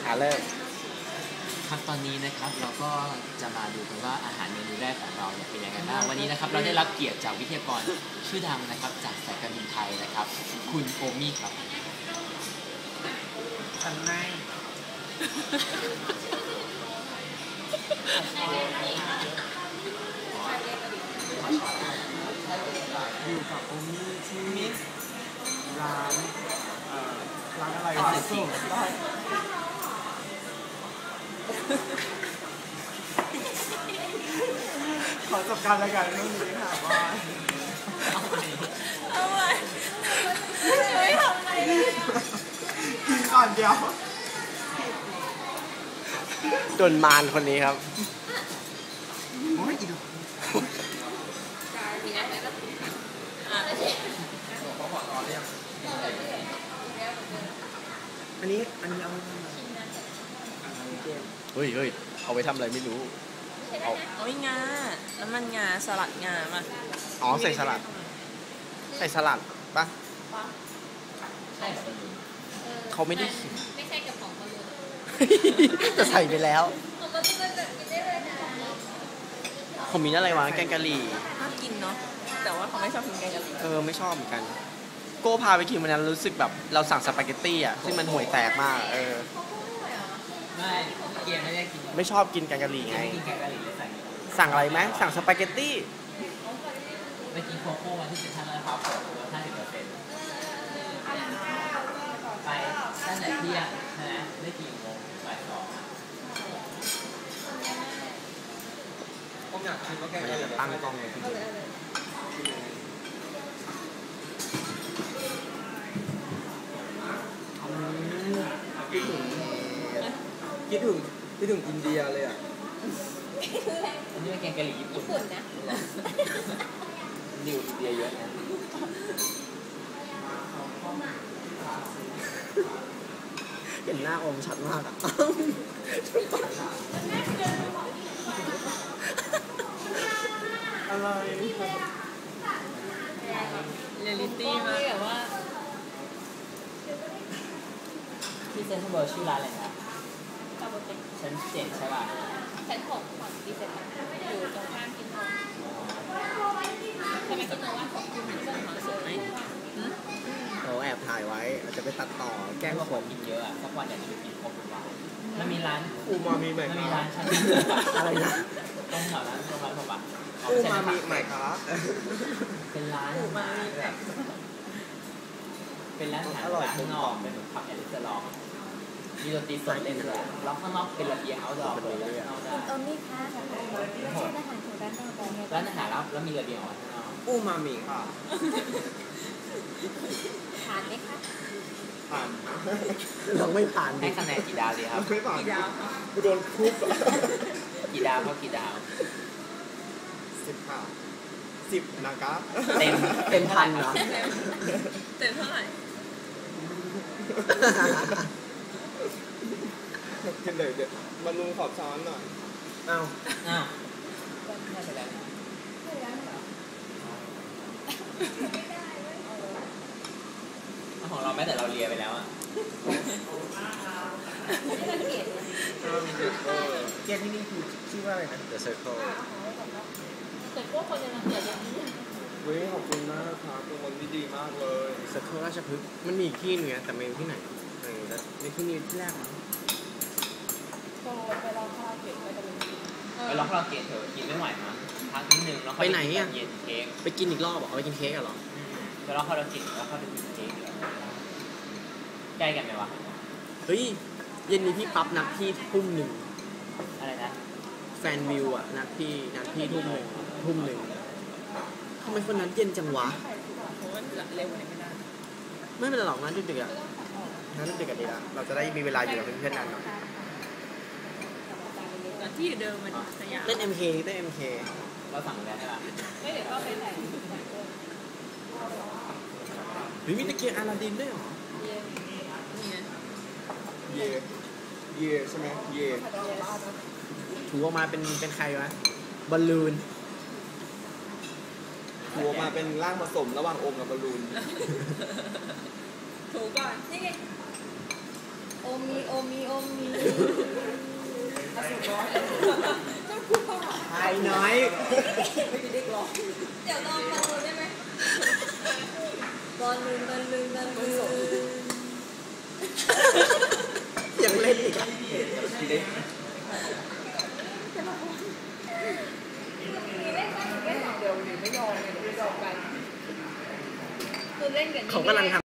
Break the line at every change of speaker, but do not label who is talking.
เริ่ม
ครับตอนนี้นะครับเราก็จะมาดูกันว่าอาหารเมนูแรกของเราเนี่ยเป็นยังไงบ้างวันนี้นะครับเราได้รับเกียรติจากวิทยากรชื่อดังนะครับจากสายการบินไทยนะครับคุณโอมี่ครับ
ฉันไม่อยู่กับโอมี่ที่ร้านอะไรวะสุดขอจบการรายการเรื่องนี้ค่ะว่า
เอาไว้ไม่ทำอะไรเลย
กินก่อนเดียวโดนมารคนนี้ครับโอ้ยอีกอันนี้เอาไปทำเฮ้ยเอาไปทำอะไรไม่รู้
เอางาน้ำมันงาสลัดงามา
อ๋อใส่สลัดปะเขาไม่ได้เขียน
ไม่ใช่กระป๋องบอลลูน
จะใส่ไปแล้ว
ผมก็ต้องแบบกินได้เลยนะ
ผมมีอะไรวะแกงกะหรี่
น่ากินเนาะแต่ว่าเขาไม่ชอบกินแกงกะหรี่
ไม่ชอบเหมือนกันโก้พาไปกินวันนั้นรู้สึกแบบเราสั่งสปาเกตตี้อ่ะซึ่งมันห่วยแตกมาก
ไม่เกียร์ไม่ได้กิน
ไม่ชอบกินแกงกะหรี่ไง
กินแกงกะหรี่เลย
สั่งอะไรไหมสั่งสปาเกตตี้
ไปกินโคโค่มาที่เซ็นทรัลลาดพร้าวลด 50%ไปตั้งแต่เที่ยงนะได้กี่โมงบ่ายสอง
ผมอยากคิดว่าแกงกะหรี่ตั้งกล้องเลยคิดถึงอินเดียเลยอ่ะ
อันนี้เป็นแกงกะหรี่ญี่ปุ่น
นะ
นิวอินเดียเยอะนะ
เห็นหน้าอมชัดมากอ่ะอะไร
เรียลลิตี้มาก
แบบว่า
ที่เซ็นทรัลเวิลด์ชื่อร้านอะไรนะชั้น 7ใช่ป่ะ
ชั้น 6ของดีเซนอยู่ตรงข้ามกินนมใช่ไหมกินนมว่าของคุณที่เป็นของสวย
เราแอบถ่ายไว้อาจจะไปตัดต่อแกล้ง
คนกินเยอะอ่ะสักวันอยากจะไปกินครบทุกวันมันมีร้าน
อูมามิใหม่
มีร้านชั้น
อะไรนะ
ตรงแถวนั้นตรงร้านผมอ่ะ
อูมามิใหม่ครับ
เป็นร้าน
อูมามิ
เป็นร้านอาหารข้างนอกเป็นผับแอนด์ลองมีดนตรีสดเล่นด้วยร้องข้างนอกเป็นระเบียงเอาดอกเลยเอาได้
นี่ค่ะไม่ใช่อาหารของร้านกาแฟ
ร้านอาหารแล้วมีระเบียงออกข้างนอก
อูมามิค่ะ
ผ่านไหมคะ
ผ่านเราไม่ผ่าน
ให้คะแนนกี่ดาวดีครับ
ไม่ผ่านกี่ดาวโดนทุบ
กี่ดาวเขากี่ดาว
10ค่ะ10นะครับ
เต็มพันเหรอ
เต็มเท่าไหร่
กินเลยเดี๋ยวมาลุงขอบช้อนหน่อยอ้าว
ของเราแม้แต่เราเลียไปแล้วอ่ะ
เกมที่นี่คือชื่อว่าอะไรนะ The Circle
แต่พวกคนยังเกลียดอย่างนี้
ขอบคุณมากครับเป็นคนที่ดีมากเลย Circle ราชพฤกษ์มันมีอีกที่นึงแต่ไม่รู้ที่ไหนในที่นี้ที่แรกมั้ง
ไปลองคาราเกะไปตะลุย
ไปลองคาราเกะเถอะกินไม่ไหวมั้งพักนิดนึงแล้วไป
ไหนอ่ะ
เย็นเค้ก
ไปกินอีกรอบเอาไปกินเค้กเหรอ
ไปลองคาราเกะแล้วเข้าไปกินเค้กใกล้กันไหมวะ
เฮ้ยเย็นนี้พี่ปั๊บนัดพี่ทุ่มหนึ่ง
อะไรนะ
แฟนวิวอ่ะนัดพี่ทุ่มหนึ่งทำไมคนนั้นเย็นจังวะ
ผมว่าเร็วกว่านี้ไม่ได้
ไม่เป็นไรหรอกนัดดึกๆอ่ะนัดดึกๆกันดีละเราจะได้มีเวลาอยู่กับเพื่อนๆนานหน่อย
ที่เดิมมันสยาม
เล่น MK
เราสั่งแล้วใช่ป่ะ
ไม่เดี๋ยวก็ไปใส่
หรือมีตะเกียงอาลาดินด้วยหรอเย่ใช่ไหมเย่ถูออกมาเป็นใครวะบอลลูนถูออกมาเป็นร่างผสมระหว่างโอมกับบอลลูน
ถูก่อน
นี่ไงโอมีโอมีโอมี
ไอ้น้อย
เดี๋ยวลองมาดูได้ไหมบอลลืมบอลลืมบอลลืม
ยังเล่นอีกอ่ะ
คือเล่นกัน
เขากำลังทำ